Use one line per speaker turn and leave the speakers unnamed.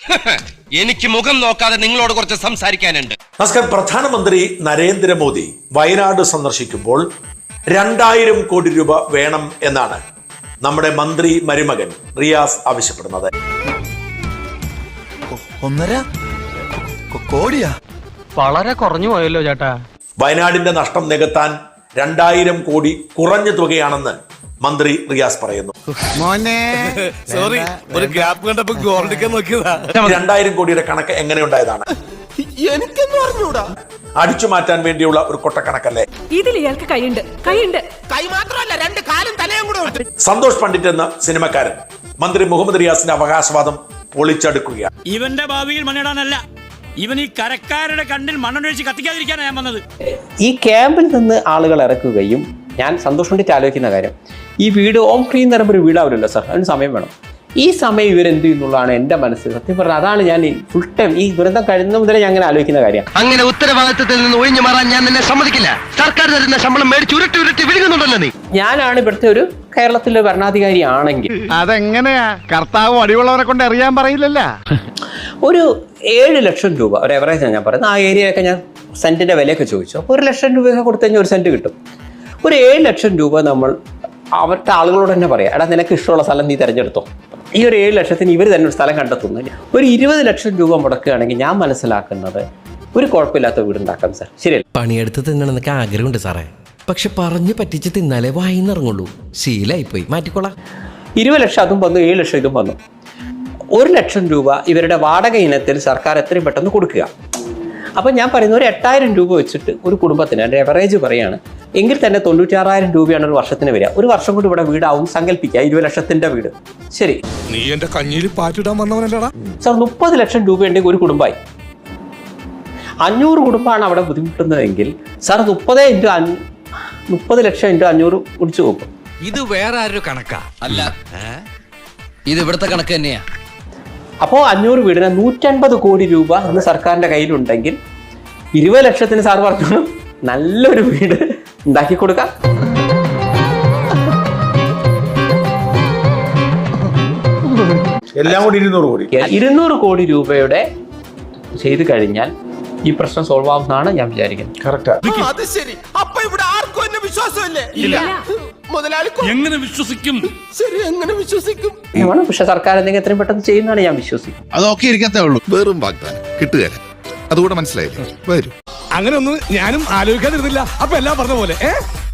എനിക്ക് മുഖം നോക്കാതെ നിങ്ങളോട് കുറച്ച് സംസാരിക്കാനുണ്ട്.
നമസ്കാരം. പ്രധാനമന്ത്രി നരേന്ദ്രമോദി വയനാട് സന്ദർശിക്കുമ്പോൾ 2000 കോടി രൂപ വേണം എന്നാണ് നമ്മുടെ മന്ത്രി മരുമകൻ റിയാസ് ആവശ്യപ്പെടുന്നത്.
1.5 കോടിയാ?
വളരെ കുറഞ്ഞു പോയല്ലോ ചേട്ടാ.
വയനാടിന്റെ നഷ്ടം നികത്താൻ 2000 കോടി കുറഞ്ഞ തുകയാണെന്ന് മന്ത്രി റിയാസ് പറയുന്നു. 2000 കോടിയുടെ കണക്ക് എങ്ങനെയുണ്ടായതാണ്? അടിച്ചു മാറ്റാൻ വേണ്ടിയുള്ള ഒരു കൊട്ടക്കണക്കല്ലേ?
ഇതിൽ ഇയാൾക്ക് കൈയുണ്ട്.
കൈ മാത്രമല്ല 2 കാലും തലയും കൂടെ ഉണ്ട്.
സന്തോഷ് പണ്ഡിറ്റ് എന്ന സിനിമക്കാരൻ മന്ത്രി മുഹമ്മദ് റിയാസിന്റെ അവകാശവാദം പൊളിച്ചടുക്കുകയാണ്.
ഇവന്റെ ഭാവിയിൽ മണ്ണിടാനല്ല, ഇവൻ ഈ കരക്കാരുടെ കണ്ണിൽ മണ്ണൊഴിച്ച് കത്തിക്കാതിരിക്കാനാണ് ഞാൻ വന്നത്.
ഈ ക്യാമ്പിൽ നിന്ന് ആളുകൾ ഇറക്കുകയും ഞാൻ സന്തോഷം കൊണ്ടിട്ട് ആലോചിക്കുന്ന കാര്യം, ഈ വീട് ഓം ക്ലീൻ എന്ന് പറയുമ്പോൾ ഒരു വീടാവില്ലല്ലോ സാർ, അതിന് സമയം വേണം. ഈ സമയം ഇവരെന്ത് ചെയ്യുന്നുള്ളതാണ് എൻ്റെ മനസ്സിൽ. സത്യം പറഞ്ഞാൽ അതാണ് ഞാൻ ഫുൾ ടൈം ഈ ദുരന്തം കഴിയുന്ന മുതലേ ഞാൻ അങ്ങനെ ആലോചിക്കുന്ന കാര്യം.
അങ്ങനെ ഉത്തരവാദിത്തത്തിൽ നിന്ന് ഒഴിഞ്ഞു മാറാൻ ഞാൻ നിന്നെ സമ്മതിക്കില്ല. സർക്കാർ തരുന്ന ശമ്പളം മേടിച്ച് ഉരുട്ടി വിഴുങ്ങുന്നുണ്ടല്ലോ നീ.
ഞാനാണ് ഇവിടുത്തെ ഒരു കേരളത്തിലെ ഭരണാധികാരി ആണെങ്കിൽ
അതെങ്ങനെയാ? കർത്താവ് അടിവുള്ളവരെ കൊണ്ട് അറിയാൻ പറയില്ലല്ല.
ഒരു 7 ലക്ഷം രൂപ ഒരു എവറേജാണ് ഞാൻ പറയുന്നത്. ആ ഏരിയയൊക്കെ ഞാൻ സെൻറ്റിൻ്റെ വിലയൊക്കെ ചോദിച്ചു. അപ്പോൾ 1 ലക്ഷം രൂപയൊക്കെ കൊടുത്തു കഴിഞ്ഞാൽ 1 സെൻറ്റ് കിട്ടും. ഒരു 7 ലക്ഷം രൂപ നമ്മൾ അവരുടെ ആളുകളോട് തന്നെ പറയാം, എടാ നിനക്ക് ഇഷ്ടമുള്ള സ്ഥലം നീ തിരഞ്ഞെടുത്തോ. ഈ ഒരു 7 ലക്ഷത്തിന് ഇവർ തന്നെ ഒരു സ്ഥലം കണ്ടെത്തുന്നു. ഒരു 20 ലക്ഷം രൂപ മുടക്കുകയാണെങ്കിൽ ഞാൻ മനസ്സിലാക്കുന്നത് ഒരു കുഴപ്പമില്ലാത്ത വീടുണ്ടാക്കാം സാർ. ശരിയല്ല?
പണിയെടുത്ത് തിന്നണമെന്നൊക്കെ ആഗ്രഹമുണ്ട് സാറേ, പക്ഷെ പറഞ്ഞു പറ്റിച്ച് തിന്നാലേ വായിന്നിറങ്ങുള്ളൂ. ശീലായിപ്പോയി, മാറ്റിക്കോളാം.
20 ലക്ഷം അതും വന്നു, 7 ലക്ഷം ഇതും വന്നു. 1 ലക്ഷം രൂപ ഇവരുടെ വാടക ഇനത്തിൽ സർക്കാർ എത്രയും പെട്ടെന്ന് കൊടുക്കുക. അപ്പം ഞാൻ പറയുന്നത് ഒരു 8000 രൂപ വെച്ചിട്ട് ഒരു കുടുംബത്തിന് എൻ്റെ എവറേജ് പറയുകയാണ് എങ്കിൽ തന്നെ 96,000 രൂപയാണ് ഒരു വർഷത്തിന് വരിക. ഒരു വർഷം കൊണ്ട് ഇവിടെ വീടാവും സങ്കല്പിക്കുക. 20 ലക്ഷത്തിൻ്റെ വീട്. ശരി,
നീ എന്റെ കഞ്ഞിയിൽ പാറ്റിടാൻ വന്നവനല്ലടാ
സാർ. 30 ലക്ഷം രൂപ ഉണ്ടെങ്കിൽ ഒരു കുടുംബമായി. 500 കുടുംബമാണ് അവിടെ ബുദ്ധിമുട്ടുന്നതെങ്കിൽ സാർ 30 ലക്ഷം ഇൻറ്റു 500 കുടിച്ചു നോക്കും.
ഇത് വേറെ ആരൊരു കണക്കാ അല്ല, ഇത് ഇവിടുത്തെ കണക്ക് തന്നെയാ.
അപ്പോൾ 500 വീടിന് 150 കോടി രൂപ ഇന്ന് സർക്കാരിൻ്റെ കയ്യിലുണ്ടെങ്കിൽ 20 ലക്ഷത്തിന് സാർ പറഞ്ഞു നല്ലൊരു വീട് ഉണ്ടാക്കി കൊടുക്കാം.
എല്ലാം കൂടി 200 കോടി.
200 കോടി രൂപയുടെ ചെയ്തു കഴിഞ്ഞാൽ ഈ പ്രശ്നം സോൾവ് ആവുന്നതാണ് ഞാൻ വിചാരിക്കുന്നത്.
കറക്റ്റാ.
അത് ശരി. അപ്പൊ ഇവിടെ ആർക്കും എന്നെ വിശ്വാസമില്ലേ? മുതലാളി
എങ്ങനെ വിശ്വസിക്കും?
ശരി, എങ്ങനെ വിശ്വസിക്കും?
പക്ഷെ സർക്കാർ എന്തെങ്കിലും എത്രയും പെട്ടെന്ന് ചെയ്യുന്നതാണ് ഞാൻ വിശ്വസിക്കുന്നത്.
അതൊക്കെ ഇരിക്കത്തേ ഉള്ളൂ. വെറും വാഗ്ദാനം കിട്ടുകയല്ല. അതുകൂടെ മനസ്സിലായില്ലേ? വരും.
അങ്ങനെ ഒന്നും ഞാനും ആലോചിക്കാതിരുന്നില്ല. അപ്പൊ എല്ലാം പറഞ്ഞ പോലെ